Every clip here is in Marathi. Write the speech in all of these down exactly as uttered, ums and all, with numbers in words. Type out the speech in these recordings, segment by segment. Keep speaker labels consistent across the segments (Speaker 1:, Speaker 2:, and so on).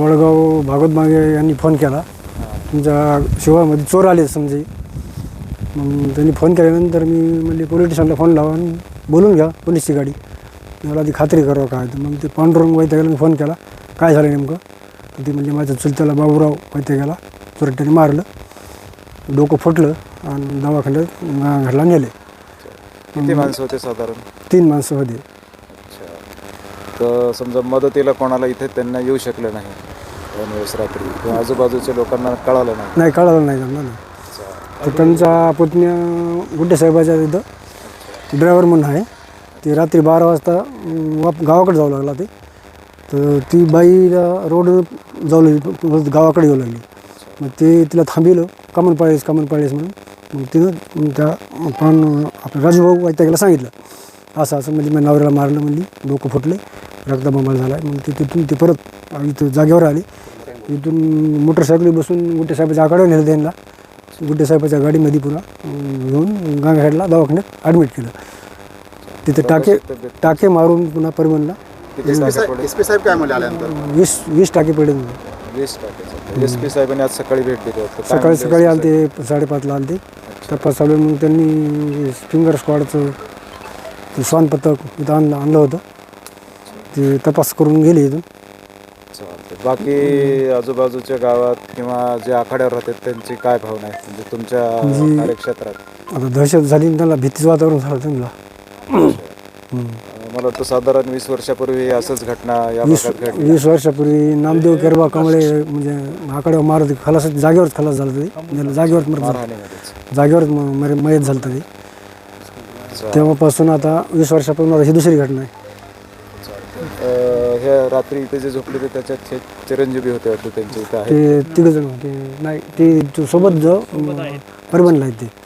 Speaker 1: वडगाव भागवत मागे यांनी फोन केला, तुमच्या शिवामध्ये चोर आले समजे. मग त्यांनी फोन केल्यानंतर मी म्हणजे पोलीस स्टेशनला फोन लावा आणि बोलून घ्या पोलीसची गाडी, मला ती खात्री करावं काय. तर मग ते पांडुरंग वैद्यकाला मी फोन केला, काय झालं नेमकं. तर ती म्हणजे माझ्या चुलत्याला बाबूराव वैद्यकाला चोरट्याने मारलं, डोकं फुटलं आणि दवाखान्यात घरला नेले.
Speaker 2: किती माणसं होते साधारण?
Speaker 1: तीन माणसं होते.
Speaker 2: अच्छा. तर समजा मदतीला कोणाला इथे त्यांना येऊ शकलं नाही दोन दिवस रात्री, किंवा आजूबाजूच्या लोकांना कळालं नाही?
Speaker 1: नाही, कळालं नाही त्यांना ना. तर त्यांचा पुतण्या गुड्डे साहेबाच्या तिथं ड्रायव्हर म्हणून आहे, ते रात्री बारा वाजता वाप गावाकडे जाऊ लागला. ते तर ती बाईला रोड जाऊ लागली, गावाकडे येऊ लागली. मग ते तिला थांबिलं, कामन पाळीस कामन पाळीस म्हणून. मग तिनं त्या पण आपलं राजूभाऊ वैद्यकाला सांगितलं असं असं म्हणजे मी नवऱ्याला मारलं, म्हणली डोकं फुटले, रक्तबंबाळ झाला आहे. मग ती तिथून ती परत इथं जागेवर आली. इथून मोटरसायकली बसून गुड्डे साहेबाच्या आकडे नेलं त्यांना. गुड्डे साहेबाच्या गाडीमध्ये पुन्हा घेऊन गांगहेडला दवाखान्यात ॲडमिट केलं. तिथे टाके टाके मारून पुन्हा परभणला
Speaker 2: एस पी साहेब काय म्हणले आल्यानंतर?
Speaker 1: वीस वीस टाके पडले.
Speaker 2: वीस टाके. एस पी साहेबांनी आज सकाळी भेट दिली होती.
Speaker 1: सकाळी सकाळी आले ते, साडेपाचला आले ते. तपास चालू. मग त्यांनी फिंगर स्क्वॉडचं ते श्वान पथक इथं आणलं आणलं होतं, ते तपास करून गेले इथून.
Speaker 2: बाकी आजूबाजूच्या गावात किंवा जे आखाड्यावर राहतात त्यांची काय भावना आहे म्हणजे तुमच्या कार्यक्षेत्रात?
Speaker 1: आता दहशत झाली, त्यांना भीतीचं वातावरण झालं त्यांना.
Speaker 2: मला वाटतं साधारण वीस वर्षापूर्वी असंच घटना या
Speaker 1: वीस
Speaker 2: भागात घडली.
Speaker 1: वीस वर्षापूर्वी नामदेव केरबा कमळे म्हणजे आकड्यावर मारत खलास जागेवरच खलास झालं ते, जागेवर मरत जागेवरच मयत झालं ते. तेव्हापासून आता वीस वर्षापासून आता ही दुसरी घटना आहे.
Speaker 2: ह्या रात्री इथे जे झोपले होते त्याच्यात चिरंजीवी होते वाटतं त्यांच्या इथं आहे
Speaker 1: ते तिघ जण होते. नाही, ते सोबत जो परभणला आहे. ते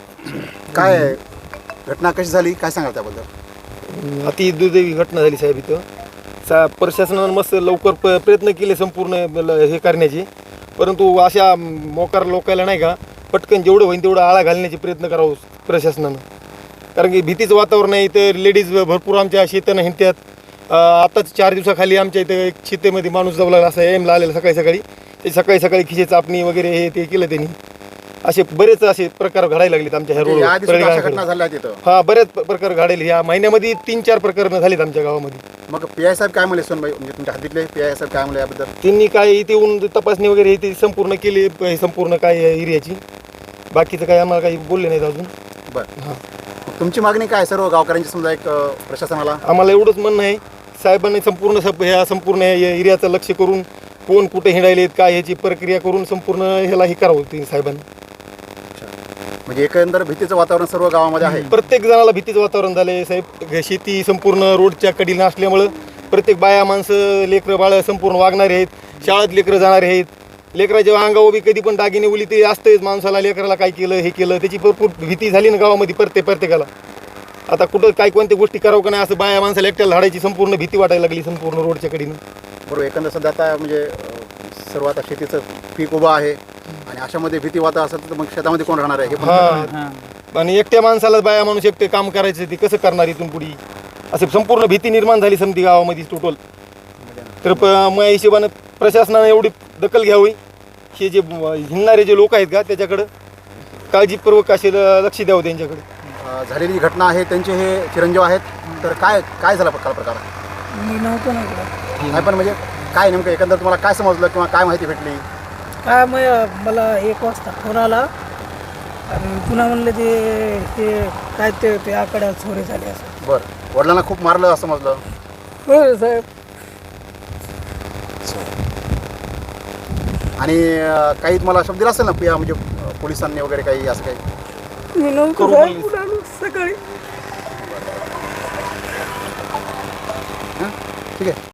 Speaker 3: काय घटना कशी झाली, काय सांगाल त्याबद्दल?
Speaker 4: अति दुर्दैवी घटना झाली साहेब. इथं सा प्रशासनानं मस्त लवकर प प्रयत्न केले संपूर्ण हे करण्याचे, परंतु अशा मोकार लोकांना नाही का पटकन जेवढं होईल तेवढं आळा घालण्याचे प्रयत्न करावं प्रशासनानं. कारण की भीतीचं वातावरण आहे इथं. लेडीज भरपूर आमच्या शेतानं हिंडतात. आत्ताच चार दिवसाखाली आमच्या इथं एक शेतेमध्ये माणूस जाऊ लागला, असं एमला आलेला सकाळी सकाळी. ते सकाळी सकाळी खिशे चापणी वगैरे हे ते केलं त्यांनी. असे बरेच असे प्रकार घडायला लागलेत आमच्या ह्या रोड. हा, बरेच प्रकार घडायले. ह्या महिन्यामध्ये तीन चार प्रकरणं झालीत आमच्या गावामध्ये.
Speaker 3: मग पी आय साहेब काय म्हणले सोनबाई, म्हणजे तुमच्या हद्दीतले पी आय साहेब काय म्हणले याबद्दल?
Speaker 4: त्यांनी काय इथे येऊन तपासणी वगैरे हे ते संपूर्ण केली, संपूर्ण काय एरियाची. बाकीचं काय आम्हाला काही बोलले नाहीत अजून.
Speaker 3: बरं. हां, तुमची मागणी काय सर्व गावकऱ्यांची समजा एक प्रशासनाला?
Speaker 4: आम्हाला एवढंच म्हणणं आहे, साहेबांनी संपूर्ण ह्या संपूर्ण एरियाचं लक्ष करून कोण कुठे हिंडायलेत काय ह्याची प्रक्रिया करून संपूर्ण ह्याला हे करावं ते साहेबांनी.
Speaker 3: म्हणजे एकंदर भीतीचं वातावरण सर्व गावामध्ये आहे.
Speaker 4: प्रत्येक जणाला भीतीचं वातावरण झालंय साहेब. शेती संपूर्ण रोडच्या कडीला असल्यामुळं प्रत्येक बाया माणसं लेकरं बाळं संपूर्ण वागणारे आहेत. शाळेत लेकरं जाणारे आहेत. लेकराच्या अंगावर बी कधी पण दागिने उली ते असतंच. माणसाला लेकराला काय केलं हे केलं त्याची भरपूर भीती झाली ना गावामध्ये प्रत्येक प्रत्येकाला. आता कुठं काय कोणत्या गोष्टी करावं का नाही असं बाया माणसाला एकट्याला धाडायची संपूर्ण भीती वाटायला लागली संपूर्ण रोडच्या कडीनं.
Speaker 3: बरोबर. एकंदर सध्या आता म्हणजे सर्व आता शेतीचं पीक उभं आहे आणि अशामध्ये भीती वाता असेल तर मग शेतामध्ये कोण राहणार आहे?
Speaker 4: हा, आणि एकट्या माणसाला बाया माणूस एकटे काम करायचं ते कसं करणार इथून पुढे, असं संपूर्ण भीती निर्माण झाली समती गावामध्ये टोटल. तर प मग हिशोबानं प्रशासनानं एवढी दखल घ्यावी, हे जे हिंडणारे जे लोक आहेत का त्याच्याकडं काळजीपूर्वक असे लक्ष द्यावं त्यांच्याकडे.
Speaker 3: झालेली घटना आहे त्यांचे हे चिरंजीव आहेत, तर काय काय झाला काल प्रकार?
Speaker 5: मी नव्हतो ना इकडं.
Speaker 3: नाही, पण म्हणजे काय नेमकं एकंदर तुम्हाला काय समजलं किंवा काय माहिती भेटली?
Speaker 5: काय मग मला एक वाजता फोन आला आणि पुन्हा म्हणलं ते ते काय ते ते आकड्या चोरी झाली असं.
Speaker 3: बरं. वडिलांना खूप मारलं असं समजलं?
Speaker 5: हो साहेब.
Speaker 3: आणि काही तुम्हाला शब्द दिला असेल ना पिया म्हणजे पोलिसांनी वगैरे काही असं काही?
Speaker 5: मी नव्हतो साहेब, पुन्हा आलो सकाळी.
Speaker 3: ठीक आहे.